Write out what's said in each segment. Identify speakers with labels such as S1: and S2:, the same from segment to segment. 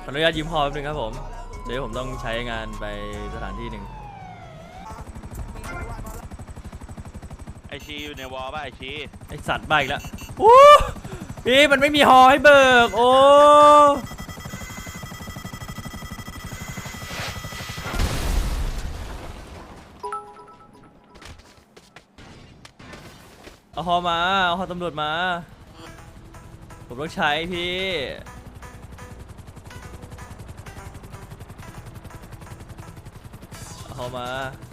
S1: ออนุญาตยืมพอแป๊บนึงครับผมเดี๋ยวผมต้องใช้งานไปสถานที่หนึ่ง
S2: ไอชีอยู่ในวอลป่ะไอชี
S1: ไอสัตว์บ้าอีกแล้วโอ้พี่มันไม่มีฮอให้เบิกโอ้เอาฮอมาเอาฮอตำรวจมาผมต้องใช้พี่เอาฮอมา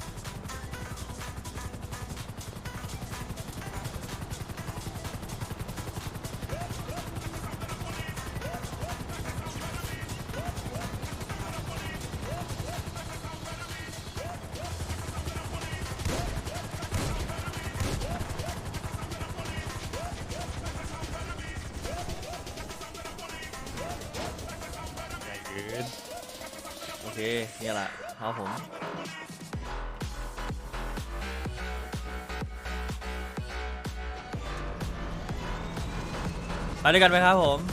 S1: โอเคนี่แหละเอาผมไปด้วยกันไหมครับผม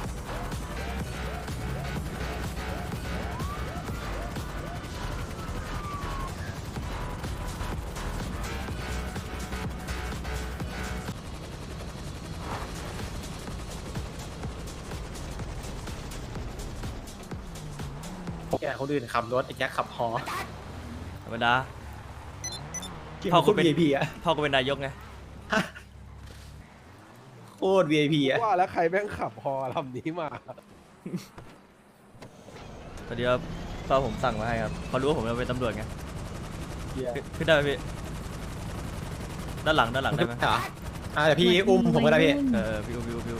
S3: แกคนอื่นขับรถไอ้แจ็คขับฮอ
S1: ธรรมดา
S3: พ่อก็เป็น VIP อ่ะ
S1: พ่อก็เป็นนายกไง
S3: โคตร VIP อ่ะ
S4: ว่าแล้วใครแม่งขับฮอลำนี้มา
S1: ตอนนี้พ่อผมสั่งมาให้ครับเขารู้ว่าผมจะเป็นตำรวจไงขึ้นได้ไหมพี่ด้านหลังได้ไหม
S3: เดี๋ยวพี่อุ้มผมก็ได้พี่
S1: พี่อุ้ม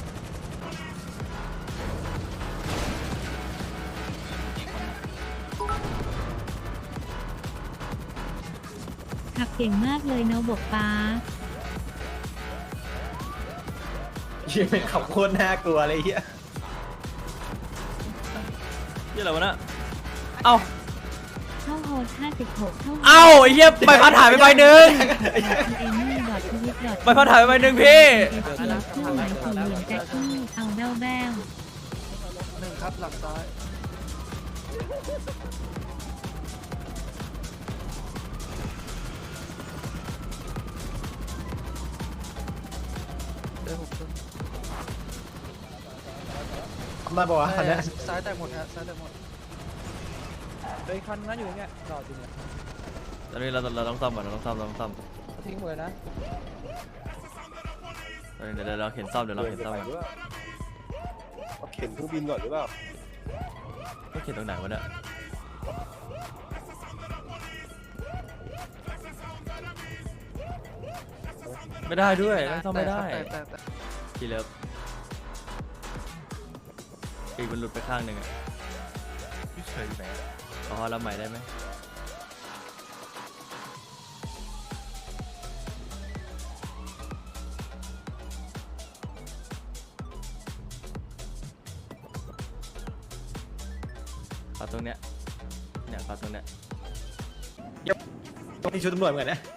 S5: ขับเก่งมากเลยเนาะบกป้า
S3: ยี่เป็นขับโคตรน่ากลัวเลยเฮีย
S1: นี่อะไรวะน่ะเอ้า
S5: เข้าโฮส56เข้า
S1: เอ้าไอ้เหี้ยใบพัดหายไปใบหนึ่ง
S5: เอมี่ดอททวิตดอท
S1: ใบพัดหายไปใบหนึ่งพี่
S5: เครื่องหมายสี่เหลี่ยมแจ็คกี้เอาแบ้ว
S4: หนึ่งครับหลังซ้าย
S3: มาบอกว่าคันนี้
S4: ซ้ายแตกหมดฮะซ้ายแตกหมดเฮ้ยคันนั้นอยู่อย่างเงี้ยจอดอยู่เนี่ย
S1: ตอนนี้เราต้องซ่อมก่อนเราต้องซ่อม
S4: ทิ้งหมดเลยนะ
S1: เดี๋ยวเราเห็นซ่อมก่อน
S4: เข็นเครื่องบินก่อนหรือเปล่า
S1: ก็เขียนตรงไหนวะเนี่ยไม่ได้ด้วยไม่ซ่อมไม่ได้ทีเลิฟปีกมันหลุดไปข้างหนึ่งอ่ะพี่เฉยอยู่ไหนอ๋อรับใหม่ได้ไหมขอตรงเนี้ยขอตรงเนี้ย
S3: ต้องมีชุดตำรวจเหมือนกันนะ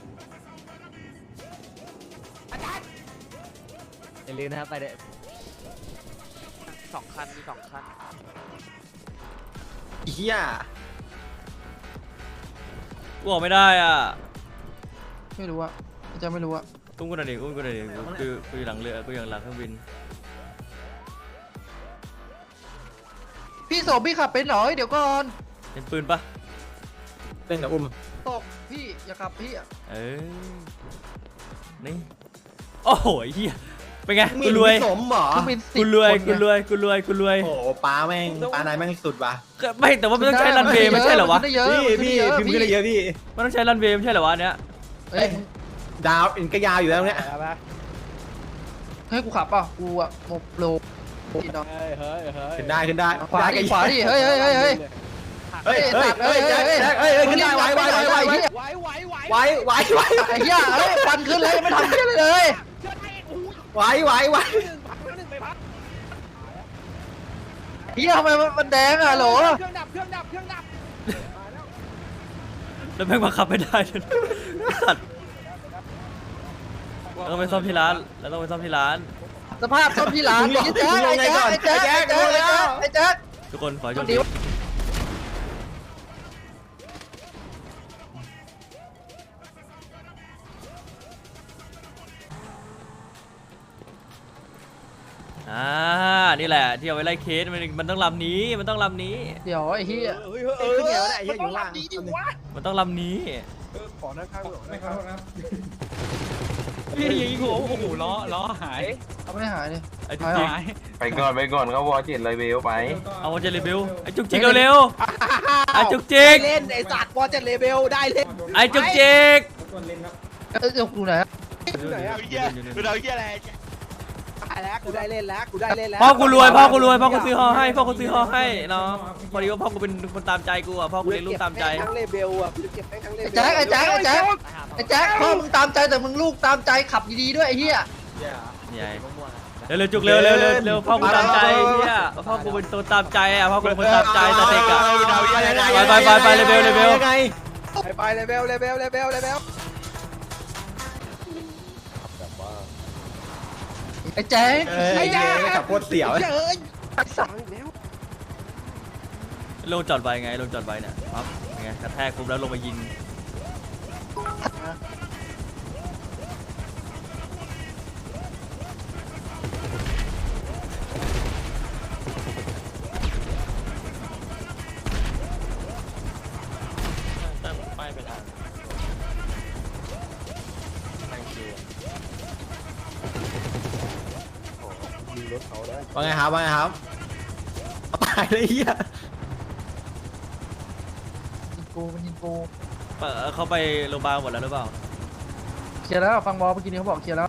S3: อย่าลืมนะครับไปเด้
S2: 2 คันมี 2 คัน
S3: เฮีย
S1: กูออกไม่ได้อ่ะ
S4: ไม่รู้อะจะไม่รู้อะ
S1: อุ้มกูหน่อยดิกูอยู่หลังเรือกูอยู่หลังเครื่องบิน
S4: พี่โสมพี่ขับเป็นเหรอเดี๋ยวก่อน
S1: เป็นปืนปะ
S3: เล่นกับอุ้ม
S4: ตกพี่อย่าขับพี่อะ
S1: นี่โอ้โหเฮียเป็นไงกูรวย
S3: สมหรอ
S1: กูรวย
S3: โอ้ป้าแม่งป้านายแม่งสุดว่ะ
S1: ไม่แต่ว่ามันต้องใช้รันเวย์ไม่ใช่เหรอวะ
S3: พี่พิมพ์ก็เลยเยอะพี่
S1: มันต้องใช้รันเวย์ไม่ใช่เหรอวะเนี้ย
S4: เอ้ย
S3: ดาวอินก็ยาวอยู่แล้วเนี่ย
S4: ให้กูขับป่ะกูอะโมโล
S3: ขึ้นได้
S4: ขวาดิเฮ้ยขึ้นได้ไวไอ้เหี้ยเฮ้ยฟันขึ้นเลยไม่ทำเลย
S3: ไหว
S4: เฮียทำไมมันแดงอะโหล
S1: แล้วแม่งมาขับไม่ได้จนสัตว์เราต้องไปซ่อมที่ร้าน
S4: สภาพซ่อมที่ร้านไอ้แจ๊ค
S1: ทุกคนขอให้โชคดีนี่แหละที่เอาไว้ไล่เคสมันต้องลำนี้มันต้องลำนี้
S4: เดี๋ยวไอ้เหี้ย
S3: ขึ้นเหนียวได้ไอ้เหี้ยอยู่ล่าง
S1: มันต้องลำนี้
S3: ขอนั่งข้างไม่ขอโทษครับ
S4: พี่ยิงหัวโอ้โหล้อหายเอาไม่หายเลย
S1: ไอ้จุกจิก
S6: ไปก่อนเขาวอเจ็ดเลยเบลไป
S1: เอาวอเจเลเบลไอ้จุกจิกเร็วๆไอ้จุกจิก
S3: เล่นไอ้สัตว์บอลจะเลเบลได้เล่น
S1: ไอ้จุกจิก
S4: เดี๋ยวกูไหน
S3: ไหนอะ
S2: เฮียกูเอาเฮียอะไร
S3: ตายแล้วกูได้เล่นแล้วกูได้เล่นแล้ว
S1: พ่อกูรวยพ่อกูซื้อฮอให้พ่อกูซื้อฮอให้เนาะพอดีว่าพ่อกูเป็นคนตามใจกูอ่ะพ่อกูเลี้ยงลูกตามใจ
S3: ทั้งเลเบลอ่ะกูจะเก็บให้ทั้งเลเบล
S4: ไอ้แจ็คพ่อมึงตามใจแต่มึงลูกตามใจขับดีๆด้วยไอ้เหี้ย
S1: ใหญ่เร็วจุกเร็วพ่อกูตามใจเนี่ยพ่อกูเป็นตัวตามใจอ่ะพ่อกูเป็นคนตามใจแต่เด็กอ่ะไปเลเบล
S3: ไปเลเบลเลเบล
S4: ไอ้แจ็ค
S3: ไอ้แย่ขับโคตรเสียวเอ้ยสั่งแล้ว
S1: ลงจอดไว้ไงลงจอดไว้เนี่ยครับไงกระแทกปุ๊บแล้วลงมายิง
S3: ว่าไงครับตายเลยเฮีย
S4: มันยิงกู
S1: เขาไปโรงพยาบาลหมดแล้วหรือเปล่า
S4: เคลียร์แล้วฟังบอลเมื่อกี้นี้เขาบอกเคลียร์แล้ว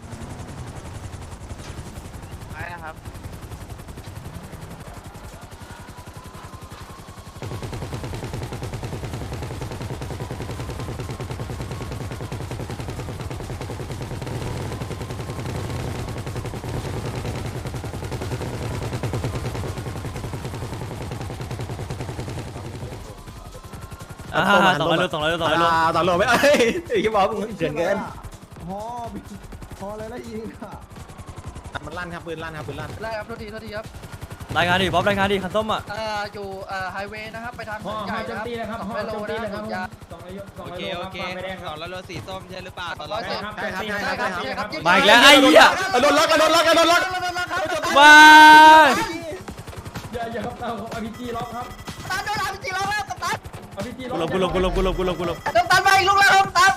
S2: ไปนะครับ
S1: 200 โล
S3: ต่อโลไม่เอ้ยไอ้บอกมึงเกินเกินพอเลยแล้วยิงค่ะมันลั่นครับปืนลั่น
S4: ไล่ครับโทษทีครับ
S1: รายงานดิบ๊อบรายงานดิคันส้มอ่ะ
S4: อยู่ไฮเวย์นะครับไปทางถนนใหญ่นะครับ200 โลนะครับยา
S7: โอเค200 โลสีส้มใช่หรือเปล่าตอน
S4: ร้
S7: เรา
S4: อย
S7: เจ็
S4: เจ็
S7: ด
S4: ดครับ
S1: มาอีกแล้วไอ้เหี้ย
S3: โดนล็อก
S1: ว้าย
S3: อย่าครับเอาอาร์พีจีล็อกครับ
S4: ตามโดนอาร์พีจีแล้วครับตาม
S3: อาร์พีจี
S1: กู
S3: ล็อก
S1: ลบ
S4: ตามไปอีกลูกแล้วครับตาม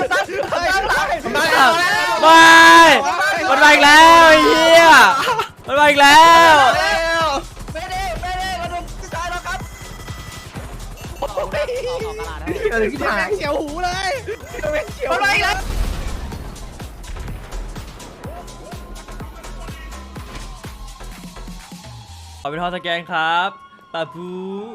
S1: ว้ายมันมาอีกแล้วไอ้เหี้ยมันมาอีกแล้ว
S4: ไม่ได้มาดูที่ซ้ายแล้วครับ
S3: ที่ผ่านเขียวหูเลยเขียว
S4: มันมาอีกแล้ว
S1: ขอเป็นทอสแกนครับปาปู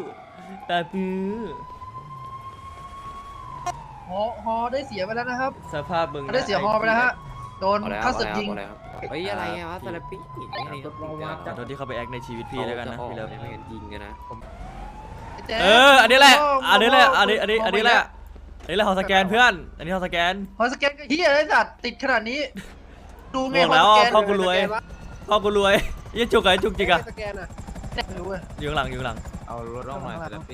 S4: ฮอได้เสียไปแล้วนะครับ
S1: สภาพมึง
S4: ได้เสียฮอไปแล้วฮะโดนข้าศึกยิง
S7: เฮ้ยอะไรวะสารปี
S1: ขอโทษที่เข้าไปแอคในชีวิตพี่แล้วกันนะพี่เลิฟ
S7: ไม่กันจริงกันนะ
S1: อันนี้แหละอันนี้แหละฮอสแกนเพื่อนอันนี้ฮอสแกน
S4: ฮอสแกนก็เฮียไอ้สัตว์ติดขนาดนี้ดูไง
S1: บอกแล้วพ่อกูรวยยี่จุกไอ้จุกจิกอะ
S3: สแกนอ่ะ
S4: ไม่รู้เว้ย
S1: อยู่ข้างหลัง
S7: เอารถร่องหน่อยสารปี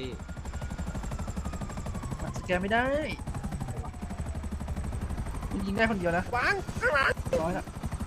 S4: สแกนไม่ได้คุณยิงได้คนเดียวนะ
S3: วางข้างหลัง
S4: ร้อยละ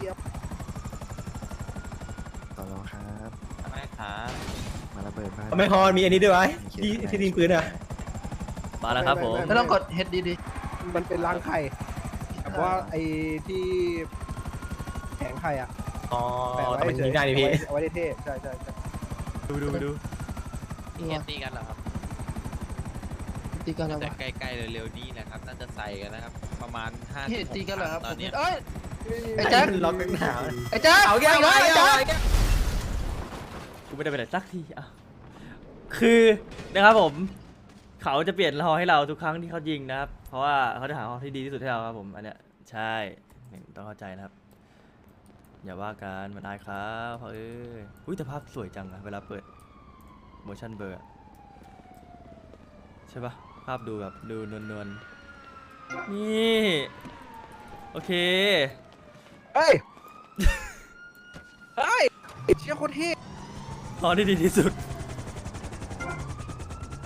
S8: ต่อรองครับ
S7: ไม่ครับ
S8: มาระเบิดบ้าน
S3: ไม่พอมีอันนี้ด้วยที่ยิงปืนอ่ะ
S1: มาแล้วครับผม
S4: ไม่ต้องกดเฮดดี
S3: มันเป็นรังไข่แบบว่าไอ้ที่แข็งไข่อ่ะแต่มันยิงได้ดิพี่เอาไว้เท่ใช่
S1: ดู
S7: เฮดตีกันเหรอครับ
S4: ตีกันแล้ว
S7: แต่
S4: วะ
S7: ใกล้ๆเร็วๆนี้นะครับน่าจะใส่กันนะครับประมาณ5
S4: เฮดตีกันเหรอครับ
S7: ตอนนี้
S4: เอ้ย
S3: ไอ้แจ็คล็อกหนาว
S4: ไอ้แจ๊ค
S3: เอาแก้ว
S4: ไอ้แจ๊ค
S1: กูไม่ได้ไปไหนสักทีอ่ะคือนะครับผมเขาจะเปลี่ยนฮอให้เราทุกครั้งที่เขายิงนะครับเพราะว่าเขาจะหาฮอที่ดีที่สุดให้เราครับผมอันเนี้ยใช่ต้องเข้าใจนะครับอย่าว่ากันมันอายครับเพราะอุ้ยแต่ภาพสวยจังอะเวลาเปิด motion blur อะใช่ปะภาพดูแบบดูนวลๆนี่โอเค
S3: เฮ้ยเชี่ยโคตรเท่
S1: ฮอที่ดีที่สุด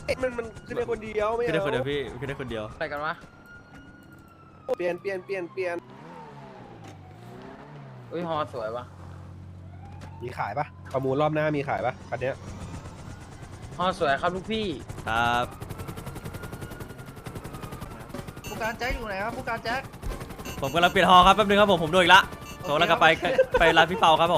S3: มันขึ้นได้คนเดียวไม่
S1: ขึ้นได้
S3: เอา
S1: คนเดียวพี่ขึ้นได้คนเดียว
S4: อะไรกันวะ
S3: เปลี่ยน
S4: อุ้ยฮอสวยวะ
S3: มีขายปะประมูลรอบหน้ามีขายปะคันเนี้ย
S4: ฮอสวยครับลูกพี่
S1: ครับ
S3: ผู้การแจ็คอยู่ไหนครับผู้การแจ็ค
S1: ผมกำลังเปลี่ยนฮอครับแป๊บนึงครับผมโดนอีกละผมกำลังกลับไปร้านพี่เปาครับผม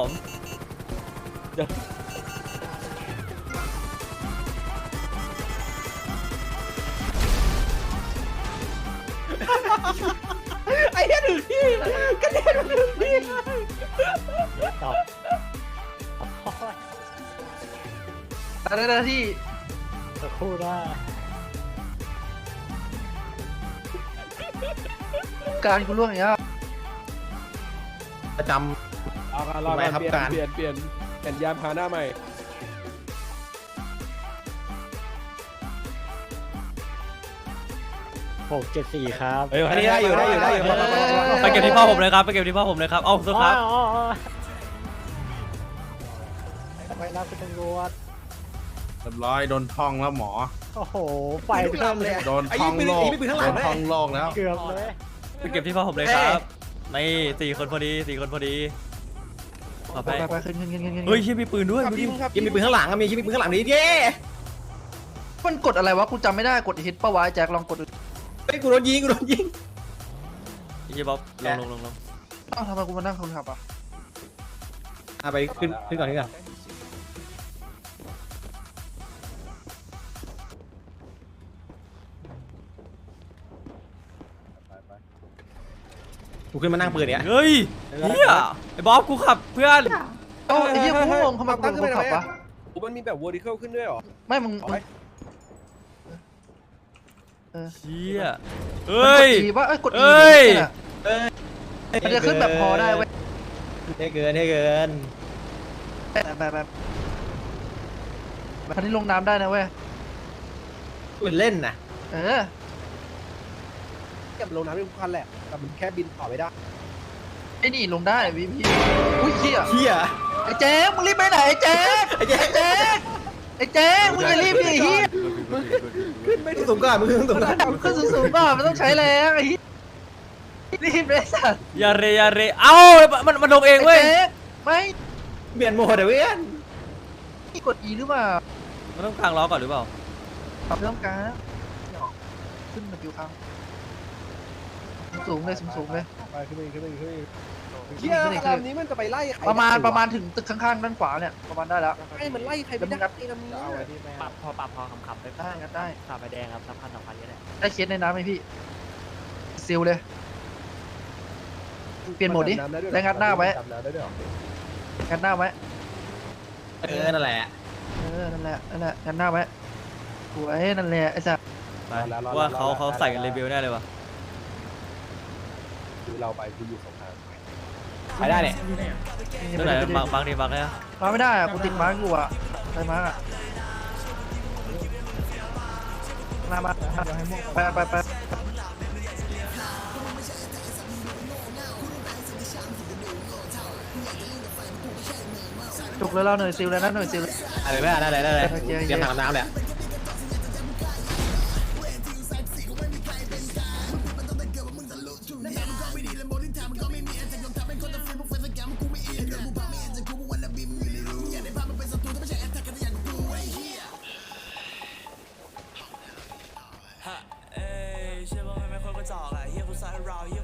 S3: ไอ้เหี้ยถึงที่กระเด็นมาถึงที่ได้ที่สักครู่ได้การกูล่วงอย่างเงี้ย
S8: ประจ
S3: เอาการรอการเปลี่ยนยามพาหน้าใหม่
S8: 674 ครับ
S3: อันนี้ได้อยู่
S1: ไปเก็บที่พ่อผมเลยครับไปเก็บที่พ่อผมเลยครับเอ้าสุดครับ
S8: ไปรับคุณตำรวจ
S6: เรียบร้อยโดนทองแล้วหมอ
S8: โอ้โห ไฟเพิ่มเลย
S6: โดนทองโลกโดนทองโลกแล้ว
S8: เกือบเลย
S1: ไปเก็บที่พ่อผมเลยครับนี่4 คนพอดี4 คนพอดีขอไป
S3: ไปขึ้น
S1: เฮ้ยเชี่ยมีปืนด้วยดูดิ
S8: ยังมีปืนข้างหลังมีปืนข้างหลังนี้เย้
S3: มันกดอะไรวะกูจำไม่ได้กดฮิตปะวะแจ็คลองกดดู
S8: เฮ้ยกูโดนยิง
S1: ไอ้เหี้ยบ๊อบลง
S3: อ้าวทำไมกูมานั่งคนขับอ่ะ
S8: ไปขึ้นก่อนกูขึ้นมานั่งปืนเนี้ย
S1: เฮ้ยเฮียไอ้บ๊อบกูขับเพื่อน
S3: เอ้าไอ้เหี้ยกูงงทำไมกูคนขับวะมันมีแบบ vertical ขึ้นด้วยหรอไม่มึง
S1: เชี่ยเฮ้ย
S3: ว่าเอ้ยกด
S1: เอ้ย
S3: มันจะขึ้นแบบพอได้เว้ย
S8: ให้เกิน
S3: แบบคันนี้ลงน้ำได้นะเว้ย
S8: ปืนเล่นนะ
S3: เก็บลงน้ำได้ทุกคันแหละแต่มันแค่บินต่อไม่ได้ไอ้นี่ลงได้พี่อุ้ยเหี้ยไอ้แจ๊คมึงรีบไปไหนไอ้แจ๊คไอ้แจ๊คมึงอย่ารีบดิเหี้ย
S8: ขึ้นไม่สูงก่อนมึงขึ้นสูงก่อน
S3: ขึ้นสูงๆก่อนมันต้องใช้แรงไอ้เหี้ยรีบเลยสัตว์
S1: อย่าเรเอ้ามันลงเองเว้ย
S3: ไแจ๊คไม่
S8: เปลี่ยนโหมดเว้ย
S3: นี่กด E หรือเปล่า
S1: มันต้องกางล้อก่อนหรือเปล่า
S3: ปรับเรื่องการขึ้นมาอยู่ข้างสูงเลยสูงเลยไปขึ้นไปเฮียลำนี้มันจะไปไล่ใครประมาณถึงตึกข้างๆด้านขวาเนี่ยประมาณได้แล้วไอ้มันไล่ใครไม่ได้ไอ้ลำนี้ปรับพอคำๆไปได้งัดได้ขาไปแดงครับ2,000 2,000ก็ได้ได้เคสในน้ำไหมพี่ซิลเลยเปลี่ยนโหมดดิแล้วงัดหน้าไว้งัดหน้าไว้
S8: นั่นแหละ
S3: นั่นแหละงัดหน้าไว้สวยนั่นแหละไอ้สัส
S1: ไปว่าเขาใส่กันเลเบลแน่เลยวะ
S3: เราไปคืออยู่สองทาง
S8: ไปได้เนี่ย
S1: ตัวไหนบางดีบางเลยอะ
S3: มาไม่ได้อะกูติดมาร์กอยู่อะไปมาร์กอะมาไปจุกเลยเราหน่วยซิลเลยนะหน่วยซิล
S8: อะไรไม่ได้เตรียมถังน้ำเลย
S9: เชื่อว่าไม่ค่อยกระจอกอะเฮียกูซัดเรา